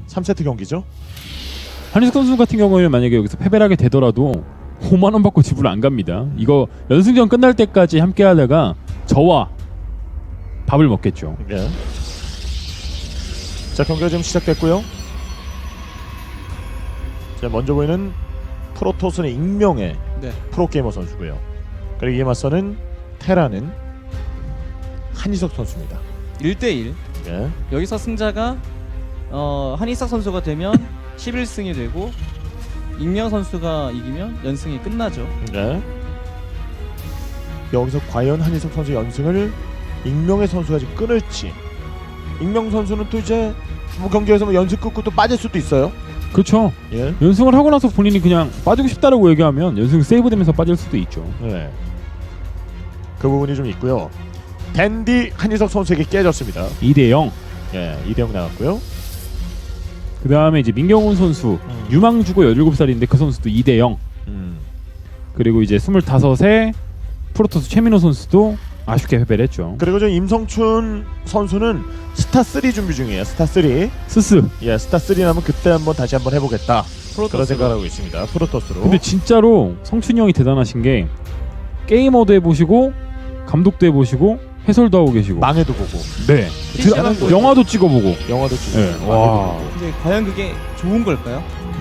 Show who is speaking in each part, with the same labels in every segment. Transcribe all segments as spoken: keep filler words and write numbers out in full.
Speaker 1: 삼 세트 경기죠.
Speaker 2: 한희석 선수 같은 경우에는 만약에 여기서 패배를 하게 되더라도 오만 원 받고 집을 안 갑니다. 이거 연승전 끝날 때까지 함께 하다가 저와 밥을 먹겠죠.
Speaker 1: 네. 자, 경기가 지금 시작됐고요. 자, 먼저 보이는 프로토스는 익명의
Speaker 3: 네.
Speaker 1: 프로게이머 선수고요. 그리고 이에 맞서는 테라는 한희석 선수입니다.
Speaker 3: 일 대 일.
Speaker 1: 예.
Speaker 3: 여기서 승자가 어, 한희석 선수가 되면 십일 승이 되고 익명 선수가 이기면 연승이 끝나죠.
Speaker 1: 네. 여기서 과연 한희석 선수 연승을 익명의 선수가 지금 끊을지. 익명 선수는 또 이제 뭐 경기에서 뭐 연승 끊고 또 빠질 수도 있어요.
Speaker 2: 그렇죠.
Speaker 1: 예.
Speaker 2: 연승을 하고 나서 본인이 그냥 빠지고 싶다라고 얘기하면 연승 세이브되면서 빠질 수도 있죠.
Speaker 1: 네. 그 부분이 좀 있고요. 댄디 한희석 선수에게 깨졌습니다.
Speaker 2: 이 대 영.
Speaker 1: 예, 이 대 영 나갔고요.
Speaker 2: 그 다음에 이제 민경훈 선수
Speaker 1: 음.
Speaker 2: 유망주고 열일곱 살인데 그 선수도 이 대 영.
Speaker 1: 음.
Speaker 2: 그리고 이제 스물다섯에 프로토스 최민호 선수도 아쉽게 패배를 했죠.
Speaker 1: 그리고 저 임성춘 선수는 스타 쓰리 준비 중이에요. 스타 쓰리.
Speaker 2: 스스.
Speaker 1: 예, 스타 쓰리 나면 그때 한번 다시 한번 해보겠다. 그런
Speaker 3: 프로토스로.
Speaker 1: 생각을 하고 있습니다. 프로토스로.
Speaker 2: 근데 진짜로 성춘이 형이 대단하신 게 게이머도 해보시고 감독도 해보시고 해설도 하고 계시고
Speaker 1: 망해도 보고
Speaker 2: 네
Speaker 3: 피씨방
Speaker 2: 드- 영화도 찍어보고
Speaker 1: 영화도 찍고
Speaker 2: 네.
Speaker 1: 망해도
Speaker 2: 와.
Speaker 1: 보고.
Speaker 3: 근데 과연 그게 좋은 걸까요?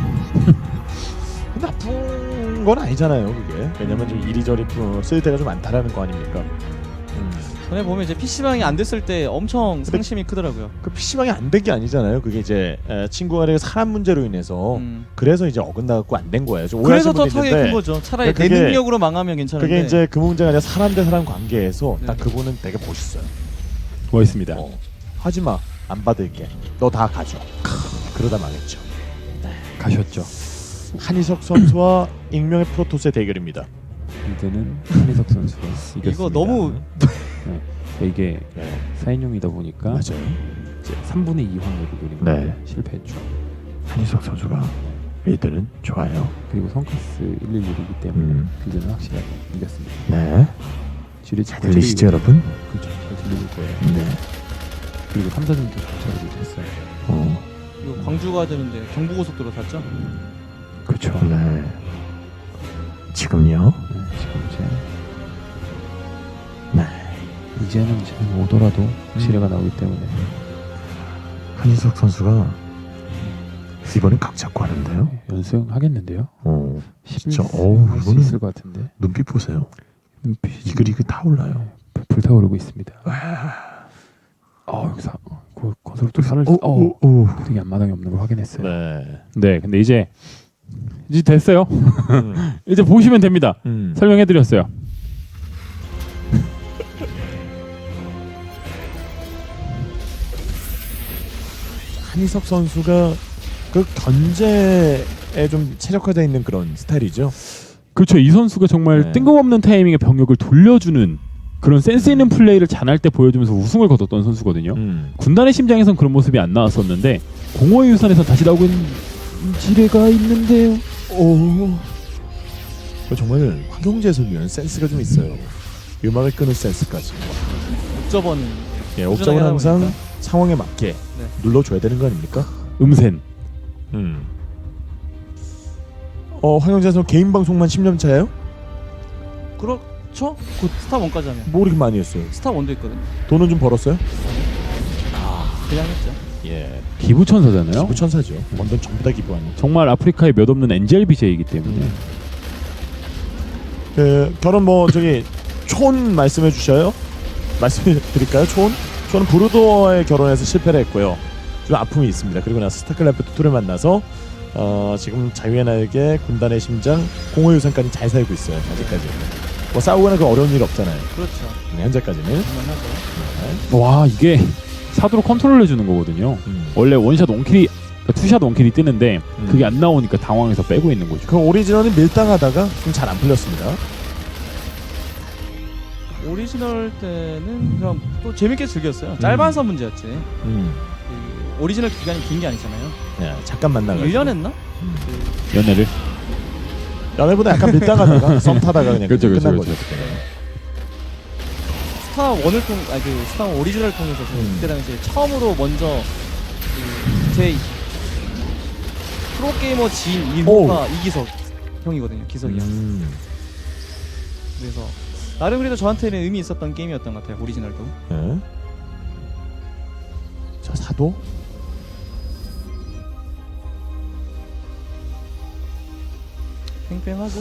Speaker 1: 나쁜 건 아니잖아요, 그게. 왜냐면 좀 이리저리 쓸 때가 좀 많다라는 거 아닙니까? 음.
Speaker 3: 전에 보면 이제 피씨방이 안 됐을 때 엄청 상심이 크더라고요.
Speaker 1: 그 피씨방이 안 된 게 아니잖아요. 그게 이제 에, 친구가 되게 사람 문제로 인해서
Speaker 3: 음.
Speaker 1: 그래서 이제 어긋나갖고 안 된 거예요. 좀
Speaker 3: 그래서
Speaker 1: 오해하시는
Speaker 3: 더
Speaker 1: 분이
Speaker 3: 타격이
Speaker 1: 있는데
Speaker 3: 큰 거죠. 차라리
Speaker 1: 그게-
Speaker 3: 내 능력으로 망하면 괜찮은데.
Speaker 1: 그게 이제 그 문제가 아니라 사람 대 사람 관계에서
Speaker 3: 네.
Speaker 1: 딱 그분은 되게 멋있어요.
Speaker 2: 멋있습니다.
Speaker 1: 어, 하지마, 안 받을게. 너 다 가져. 그러다 망했죠.
Speaker 2: 가셨죠.
Speaker 1: 한희석 선수와 익명의 프로토스의 대결입니다.
Speaker 2: 이제는 한희석 선수가 이겼습니다.
Speaker 3: 이거 너무
Speaker 2: 네. 이게
Speaker 1: 네.
Speaker 2: 사인용이다 보니까
Speaker 1: 맞아요.
Speaker 2: 이제 삼분의 이 확률로 노린 건데
Speaker 1: 네.
Speaker 2: 실패했죠.
Speaker 1: 한희석 선수가 빌드는 좋아요.
Speaker 2: 그리고 성카스 일일일이기 때문에
Speaker 1: 음.
Speaker 2: 빌드는 확실하게 이겼습니다.
Speaker 1: 네.
Speaker 2: 지뢰
Speaker 1: 잘 들리시죠, 여러분?
Speaker 2: 그렇죠. 잘 들리실 거예요.
Speaker 1: 네.
Speaker 2: 그리고 삼 사전도 정찰을 했어요.
Speaker 1: 어.
Speaker 3: 이거 광주 가야 되는데 경부고속도로 탔죠?
Speaker 2: 그렇죠.
Speaker 1: 네. 지금요?
Speaker 2: 네, 지금 이제
Speaker 1: 네.
Speaker 2: 이제는 지금 오더라도 지뢰가 나오기 때문에
Speaker 1: 한희석 선수가 이번엔 각 잡고 하는데요.
Speaker 2: 연승하겠는데요.
Speaker 1: 어.
Speaker 2: 십일
Speaker 1: 진짜,
Speaker 2: 승
Speaker 1: 어우,
Speaker 2: 할수
Speaker 1: 이거는-
Speaker 2: 있을 것 같은데
Speaker 1: 눈빛 보세요.
Speaker 2: 눈빛이
Speaker 1: 이글이글 타올라요.
Speaker 2: 네, 불타오르고 있습니다. 어 여기서 그 건설부터 살을
Speaker 1: 오,
Speaker 2: 어
Speaker 1: 오, 오.
Speaker 2: 되게 앞마당이 없는 걸 확인했어요.
Speaker 1: 네.
Speaker 2: 네, 근데 이제 이제 됐어요.
Speaker 1: 음.
Speaker 2: 이제 보시면 됩니다.
Speaker 1: 음.
Speaker 2: 설명해드렸어요.
Speaker 1: 한희석 선수가 그 견제에 좀 최적화되어 있는 그런 스타일이죠.
Speaker 2: 그렇죠. 이 선수가 정말
Speaker 1: 네.
Speaker 2: 뜬금없는 타이밍에 병력을 돌려주는 그런 센스 있는 플레이를 잔할 때 보여주면서 우승을 거뒀던 선수거든요.
Speaker 1: 음.
Speaker 2: 군단의 심장에선 그런 모습이 안 나왔었는데 공허의 유산에서 다시 나오고 있는 지뢰가 있는데요.
Speaker 1: 오. 그 정말 황경재 선수는 센스가 좀 있어요. 음악을 끄는 센스까지.
Speaker 3: 옥저버는
Speaker 1: 예,
Speaker 3: 꾸준하게
Speaker 1: 옥정은
Speaker 3: 하다
Speaker 1: 항상
Speaker 3: 보니까.
Speaker 1: 상황에 맞게 눌러줘야 되는 거 아닙니까?
Speaker 2: 음센.
Speaker 1: 음. 어, 황경재 선수 개인 방송만 십 년 차예요?
Speaker 3: 그렇죠? 곧 스타 원까지 하면
Speaker 1: 뭐 이렇게 많이 했어요?
Speaker 3: 스타 원도 있거든.
Speaker 1: 돈은 좀 벌었어요?
Speaker 3: 그냥 했죠.
Speaker 1: 예.
Speaker 2: 기부천사잖아요.
Speaker 1: 기부천사죠. 원돈 전부 다 기부하는.
Speaker 2: 정말 아프리카에 몇 없는 엔젤비제이기 때문에
Speaker 1: 음. 그 결혼 뭐 저기 촌 말씀해 주셔요? 말씀해 드릴까요? 촌? 저는 브루도어에 결혼해서 실패를 했고요. 좀 아픔이 있습니다. 그리고 나서 스타클래프트 투를 만나서 어, 지금 자유의 날개, 군단의 심장, 공허의 유산까지 잘 살고 있어요. 아직까지. 뭐 싸우거나 그 어려운 일 없잖아요.
Speaker 3: 그렇죠.
Speaker 1: 네, 현재까지는.
Speaker 3: 그만하죠.
Speaker 2: 와 이게 사도로 컨트롤 해주는 거거든요.
Speaker 1: 음.
Speaker 2: 원래 원샷 원킬이 투샷 원킬이 뜨는데
Speaker 1: 음.
Speaker 2: 그게 안 나오니까 당황해서 빼고 있는 거죠.
Speaker 1: 그 오리지널은 밀당하다가 좀 잘 안 풀렸습니다.
Speaker 3: 오리지널 때는 그냥 또 재밌게 즐겼어요. 짧아서 문제였지.
Speaker 1: 음.
Speaker 3: 그 오리지널 기간이 긴 게 아니잖아요.
Speaker 1: 네, 잠깐 만나가지고.
Speaker 3: 일 년 했나?
Speaker 1: 음.
Speaker 2: 연애를.
Speaker 1: 연애보다 약간 밀당하다가 썸 타다가 그냥
Speaker 2: 그렇죠,
Speaker 1: 끝난
Speaker 2: 그렇죠,
Speaker 1: 거죠.
Speaker 2: 그렇죠.
Speaker 1: 그때는.
Speaker 3: 스타 원을 통, 아니 그 스타 원 오리지널 통해서 저는
Speaker 1: 음.
Speaker 3: 그때 당시에 처음으로 먼저 그 제 프로게이머 지인 이호가 이기석 형이거든요. 기석이 형.
Speaker 1: 음.
Speaker 3: 그래서 나름 그래도 저한테는 의미 있었던 게임이었던 것 같아요. 오리지널도.
Speaker 1: 네. 자, 사도.
Speaker 3: 팽팽하죠.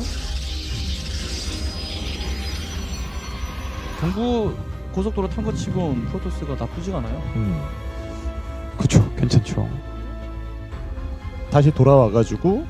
Speaker 3: 경부 고속도로 탄 것 치고 프로토스가 나쁘지가 않아요.
Speaker 1: 음.
Speaker 2: 그쵸, 괜찮죠.
Speaker 1: 다시 돌아와가지고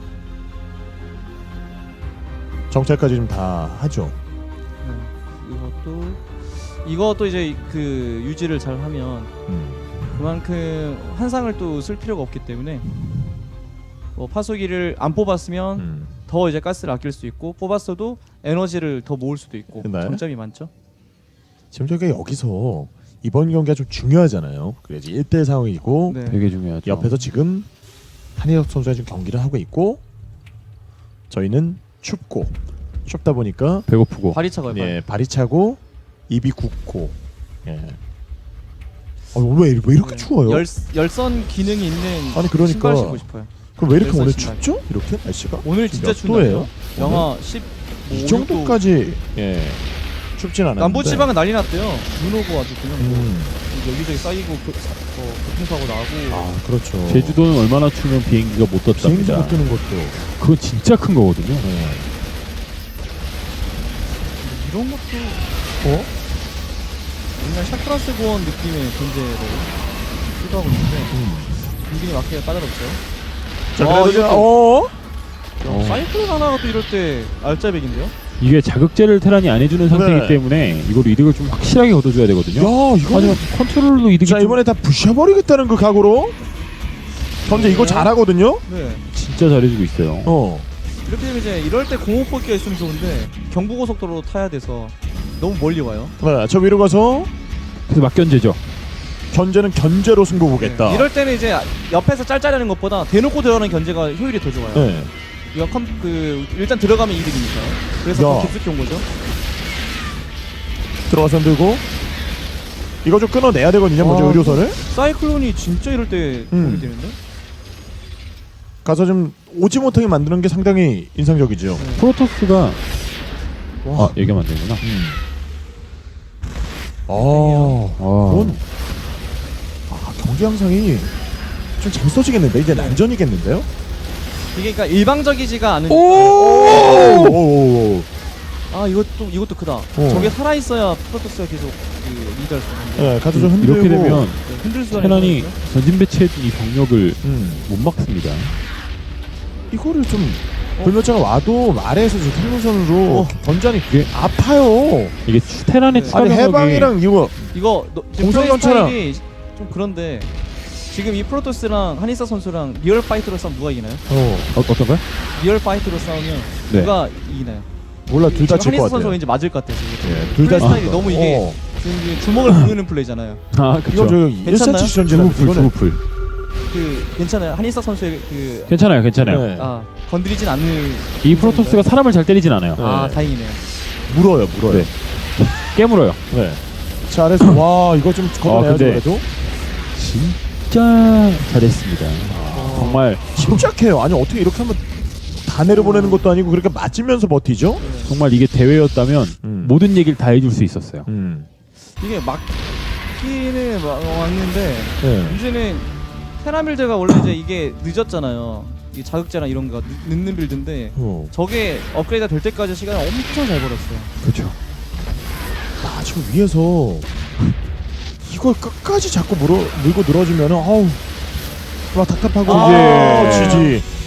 Speaker 1: 정찰까지 좀 다 하죠.
Speaker 3: 네. 이것도 이것도 이제 그 유지를 잘 하면
Speaker 1: 음.
Speaker 3: 그만큼 환상을 또 쓸 필요가 없기 때문에 뭐 파수기를 안 뽑았으면
Speaker 1: 음.
Speaker 3: 더 이제 가스를 아낄 수 있고 뽑았어도 에너지를 더 모을 수도 있고
Speaker 1: 네.
Speaker 3: 장점이 많죠.
Speaker 1: 지금 저희가 여기서 이번 경기가 좀 중요하잖아요. 그래야지 일 대 상황이고
Speaker 3: 네.
Speaker 2: 되게 중요하죠.
Speaker 1: 옆에서 지금 한희석 선수가 지금 경기를 하고 있고 저희는 춥고 춥다 보니까
Speaker 2: 배고프고.
Speaker 3: 발이 차가요.
Speaker 1: 예, 발이 차고 입이 굳고 예. 아, 왜, 왜 이렇게
Speaker 3: 네.
Speaker 1: 추워요?
Speaker 3: 열, 열선 기능이 있는
Speaker 1: 아니, 그러니까.
Speaker 3: 신발 신고 싶어요.
Speaker 1: 그럼 왜 이렇게
Speaker 3: 열선
Speaker 1: 오늘
Speaker 3: 신발.
Speaker 1: 춥죠? 이렇게 날씨가?
Speaker 3: 오늘 진짜
Speaker 1: 몇 도예요?
Speaker 3: 춥네요. 영하 십오,
Speaker 1: 이 정도까지 예, 춥진 않았는데
Speaker 3: 남부 지방은 난리 났대요. 눈 오고 아주 그냥 뭐
Speaker 1: 음.
Speaker 3: 여기저기 쌓이고 교, 사, 어, 교통사고 나고.
Speaker 1: 아 그렇죠.
Speaker 2: 제주도는 얼마나 추면 비행기가 못
Speaker 1: 비행기
Speaker 2: 떴답니다.
Speaker 1: 못 뜨는 것도
Speaker 2: 그건 진짜 큰 거거든요.
Speaker 1: 예.
Speaker 3: 이런 것도
Speaker 1: 어?
Speaker 3: 옛날 샤크라스 고원 느낌의 존재를 시도하고 있는데
Speaker 1: 음.
Speaker 3: 분위기에 맞게 까다롭죠.
Speaker 1: 자
Speaker 3: 와,
Speaker 1: 그래도 지금
Speaker 3: 이것도-
Speaker 1: 어?
Speaker 2: 어.
Speaker 3: 사이클론 하나가 또 이럴 때 알짜배기인데요?
Speaker 2: 이게 자극제를 테란이 안 해주는 상태이기
Speaker 1: 네.
Speaker 2: 때문에 이걸 이득을 좀 확실하게 거둬줘야
Speaker 1: 야
Speaker 2: 되거든요.
Speaker 1: 이거
Speaker 2: 하지만 컨트롤도 이득이
Speaker 1: 자
Speaker 2: 좀
Speaker 1: 이번에 다 부셔버리겠다는 그 각오로 현재 이거
Speaker 3: 네.
Speaker 1: 잘하거든요.
Speaker 3: 네.
Speaker 2: 진짜 잘해주고 있어요.
Speaker 1: 어.
Speaker 3: 이렇게 되면 이제 이럴 때 공업법기가 있으면 좋은데 경부고속도로 타야 돼서 너무 멀리 와요.
Speaker 1: 네, 저 위로 가서
Speaker 2: 그래서 막견제죠.
Speaker 1: 견제는 견제로 승부 보겠다.
Speaker 3: 네. 이럴 때는 이제 옆에서 짤짤하는 것보다 대놓고 들어가는 견제가 효율이 더 좋아요.
Speaker 1: 네.
Speaker 3: 이거 컴, 그 일단 들어가면 이득이니까. 그래서
Speaker 1: 야.
Speaker 3: 더 깊숙이 온 거죠.
Speaker 1: 들어가서 들고 이거 좀 끊어내야 되거든요. 먼저
Speaker 3: 와,
Speaker 1: 의료선을
Speaker 3: 사이클론이 진짜 이럴 때
Speaker 1: 음.
Speaker 3: 도움이 되는데.
Speaker 1: 가서 좀 오지 못하게 만드는 게 상당히 인상적이죠.
Speaker 3: 네.
Speaker 2: 프로토스가
Speaker 1: 와.
Speaker 2: 아 얘기하면 안 되구나.
Speaker 1: 음. 아,
Speaker 2: 와.
Speaker 1: 그건 아, 경기 양상이 좀 재밌어지겠는데 이제 난전이겠는데요?
Speaker 3: 이게 그러니까 일방적이지가 않은.
Speaker 1: 오! 오!
Speaker 3: 아 이것도 이것도 크다. 저게 살아 있어야 프로토스가 계속 그 리드할 수 있는데.
Speaker 1: 네, 가서 좀 흔들고
Speaker 2: 이렇게 되면
Speaker 3: 네, 흔들 수가
Speaker 2: 테란이
Speaker 3: 있거든요.
Speaker 2: 전진 배치해둔 이 병력을
Speaker 1: 음.
Speaker 2: 못 막습니다.
Speaker 1: 이거를 좀
Speaker 3: 어?
Speaker 1: 불멸자가 와도 아래에서 지금 탱로선으로
Speaker 3: 어.
Speaker 1: 견자니 그게 아파요.
Speaker 2: 이게 추- 테란의
Speaker 3: 네.
Speaker 2: 추가
Speaker 1: 아니
Speaker 2: 병력이
Speaker 1: 해방이랑 이거
Speaker 3: 이거 너, 지금
Speaker 1: 공성
Speaker 3: 플레이
Speaker 1: 전차랑-
Speaker 3: 스타일이 좀 그런데 지금 이 프로토스랑 한이사 선수랑 리얼 파이트로 싸우면 누가 이기나요?
Speaker 1: 어,
Speaker 2: 어, 어떤가요?
Speaker 3: 리얼 파이트로 싸우면
Speaker 2: 네.
Speaker 3: 누가 이기나요?
Speaker 1: 몰라 둘 다
Speaker 3: 지금
Speaker 1: 질 것
Speaker 3: 한이사
Speaker 1: 같아요.
Speaker 3: 선수가 왠지 맞을 것 같아요. 지금.
Speaker 1: 예, 둘 다
Speaker 3: 플레이 스타일이 너무 이게
Speaker 1: 어.
Speaker 3: 지금 이게 주먹을 부르는 플레이잖아요.
Speaker 2: 아
Speaker 1: 이거
Speaker 2: 그렇죠.
Speaker 1: 저
Speaker 3: 괜찮나요?
Speaker 1: 일사치 전진은
Speaker 2: 주부풀
Speaker 1: 이거는
Speaker 2: 주부풀.
Speaker 3: 그 괜찮아요. 한이사 선수의 그
Speaker 2: 괜찮아요, 괜찮아요.
Speaker 1: 네.
Speaker 3: 아, 건드리진 않는.
Speaker 2: 이 프로토스가 사람을 잘 때리진 않아요.
Speaker 3: 아
Speaker 1: 네.
Speaker 3: 다행이네요.
Speaker 1: 물어요, 물어요.
Speaker 2: 네. 깨물어요.
Speaker 1: 네. 자 아래서 와 이거 좀 걷어내야죠
Speaker 2: 근데-
Speaker 1: 그래도
Speaker 2: 진짜 잘했습니다. 정말
Speaker 1: 침착해요. 아니 어떻게 이렇게 하면 다 내려보내는 것도 아니고 그렇게 맞으면서 버티죠?
Speaker 2: 정말 이게 대회였다면
Speaker 1: 음.
Speaker 2: 모든 얘기를 다 해줄 수 있었어요.
Speaker 1: 음.
Speaker 3: 이게 막기는 막- 왔는데
Speaker 1: 네.
Speaker 3: 문제는 테라밀드가 원래 이제 이게 늦었잖아요. 이 자극제나 이런 거 늦- 늦는 빌드인데
Speaker 1: 어.
Speaker 3: 저게 업그레이드가 될 때까지 시간을 엄청 잘 벌었어요.
Speaker 2: 그렇죠.
Speaker 1: 아 지금 위에서 이걸 끝까지 자꾸 물어, 물고 늘어지면은 아우 막 답답하고
Speaker 3: 아,
Speaker 1: 이제
Speaker 3: 네.
Speaker 1: 지지.